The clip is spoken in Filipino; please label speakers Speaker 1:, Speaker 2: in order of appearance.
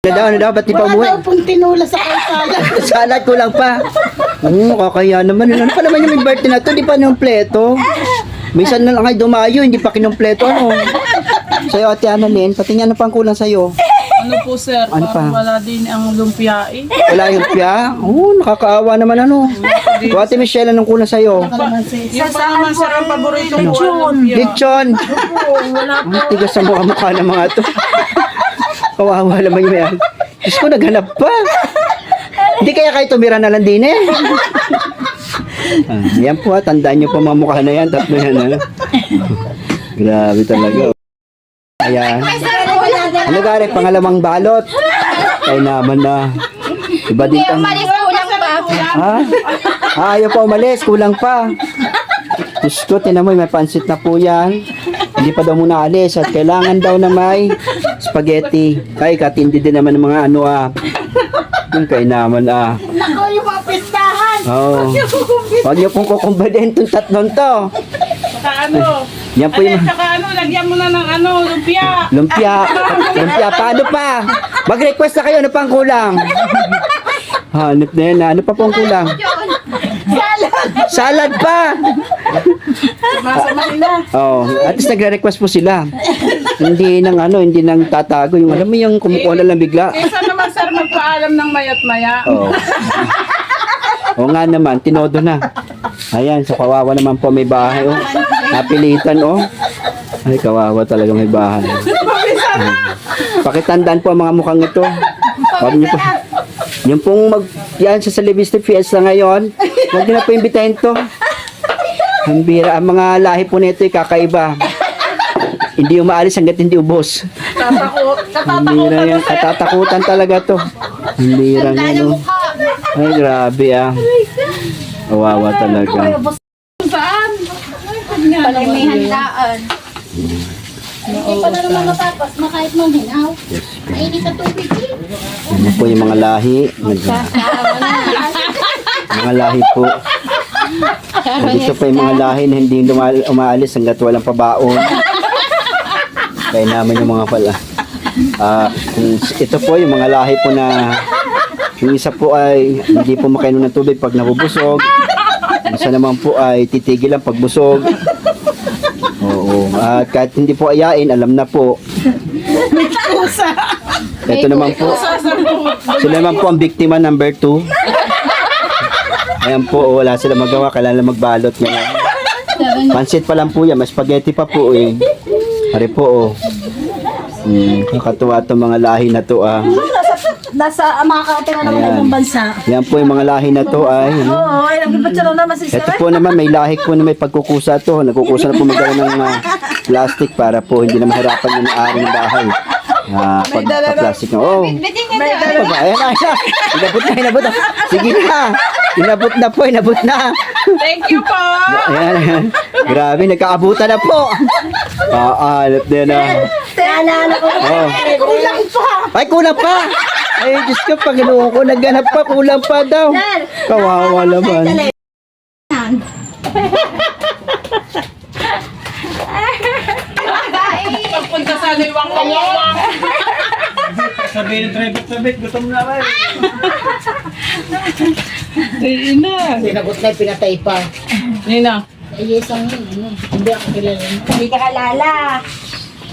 Speaker 1: Ano daw, ba't di pa
Speaker 2: Wala
Speaker 1: umuwi?
Speaker 2: daw pong tinula sa kalsada.
Speaker 1: Salad ko lang pa. Kakaya naman. Ano pa naman yung birthday na to? Di pa numpleto. Minsan na lang ay dumayo, hindi pa kinumpleto. Ano? Sa'yo, Ate Annalyn, pati nga ano pang kulang sa'yo?
Speaker 3: Ano po sir,
Speaker 1: Ano
Speaker 3: parang
Speaker 1: pa?
Speaker 3: wala din ang lumpia eh.
Speaker 1: Wala yung pya? Nakakaawa naman ano. O, Ate Michelle, anong kulang sa'yo?
Speaker 3: Yung pa naman sir ang paborito ko, lumpia.
Speaker 1: Lechon! Ang tigas sa mukha ng mga to. Kawawa naman yung yan. Diyos ko, naghanap pa. Hindi kaya kayo tumira na lang din eh. Yan po, tandaan nyo po mga mukha na yan. Tatlo yan. Grabe talaga. Ayan. Ano gari, pangalawang balot. Ay naman na. Iba din ang...
Speaker 4: Umalis kulang pa.
Speaker 1: Ha? Ayaw pa umalis, kulang pa. Diyos ko, tinan mo, may pansit na po yan. Hindi pa daw muna alis at kailangan daw na may spaghetti. Kaya katindi din naman ng mga ano Yung kay naman
Speaker 2: Nako, yung mga pistahan.
Speaker 1: Oo. Huwag niyo pong kukumbadin itong tatlong to.
Speaker 3: Saka ano,
Speaker 1: Yan po yung
Speaker 3: saka ano, lagyan mo na ng ano, lumpia.
Speaker 1: lumpia. Lumpia, paano pa? Mag-request na kayo, ano pang kulang? Hanip na yan, ano pa pong kulang? Salad pa!
Speaker 3: Masama nila.
Speaker 1: Oh, at least nagre-request po sila. Hindi nang hindi nang tatago yung alam mo yung kumukuha na lang bigla.
Speaker 3: Kaysa naman sir magpaalam ng mayat maya.
Speaker 1: Oh. O nga naman, tinodo na. Ayan, so kawawa naman po may bahay. Oh. Napilitan, oh. Ay, kawawa talaga may bahay. Pakitandaan po ang mga mukhang ito. Huwag niyo po. Yung pong yan sa Celebiste Fiesta ngayon, huwag niyo na po imbitahin to. Ang bira, ang mga lahi po nito ay kakaiba. Hindi umaalis hanggat hindi ubos. Ang bira yan, katatakutan talaga to. Ang bira yan, oh. Ay, grabe Kawawa talaga.
Speaker 4: Palay may handaan.
Speaker 2: Hindi pa na naman matapos, makahit mong hinaw. Mainit sa tubig eh.
Speaker 1: Ano po yung mga lahi? Mga lahi po. Dito po yung mga lahi na hindi umaalis hanggat walang pabaon. Kaya naman yung mga pala. Ito po yung mga lahi po na yung isa po ay hindi po makainom ng tubig pag nabubusog. Isa naman po ay titigil lang pag busog. Oo. At kahit hindi po ayain, alam na po. Ito naman po. Sila naman po ang biktima number 2. Ayan po, wala sila magawa. Kailangan lang magbalot ngayon. Pansit pa lang po yan. May spaghetti pa po eh. Hari po kakatuwa itong mga lahi na to
Speaker 2: Nasa makakatira naman
Speaker 1: Ayan.
Speaker 2: ng bansa.
Speaker 1: Yan po yung mga lahi na to ay.
Speaker 2: Oo, ay nagpapatsara naman si
Speaker 1: Ito po naman may lahik po na may pagkukusa to. Nagkukusa na po magdala ng plastic para po hindi na mahirapan yung ari ng bahay. Pagka-plastic na. Oh. Ano ba? Ayan na. Inabot na. Sige na. Inabot na.
Speaker 3: Thank you po.
Speaker 1: Ayan. Grabe, nagkaabutan na po. Alap din na.
Speaker 2: Naalala ko.
Speaker 1: Oh.
Speaker 2: Kulang pa.
Speaker 1: Ay, kulang pa. Ay, Diyos ko, Panginoon ko, nagganap pa, kulang pa daw. Kawawa naman.
Speaker 3: Pagpunta sa liwang wang.
Speaker 5: Sabi ng driver, gutom na ba?
Speaker 3: Ina.
Speaker 2: Sinagot na pinatay pa.
Speaker 3: Nina.
Speaker 2: Ay, isang hindi ako kilala.
Speaker 4: Hindi ka kalala.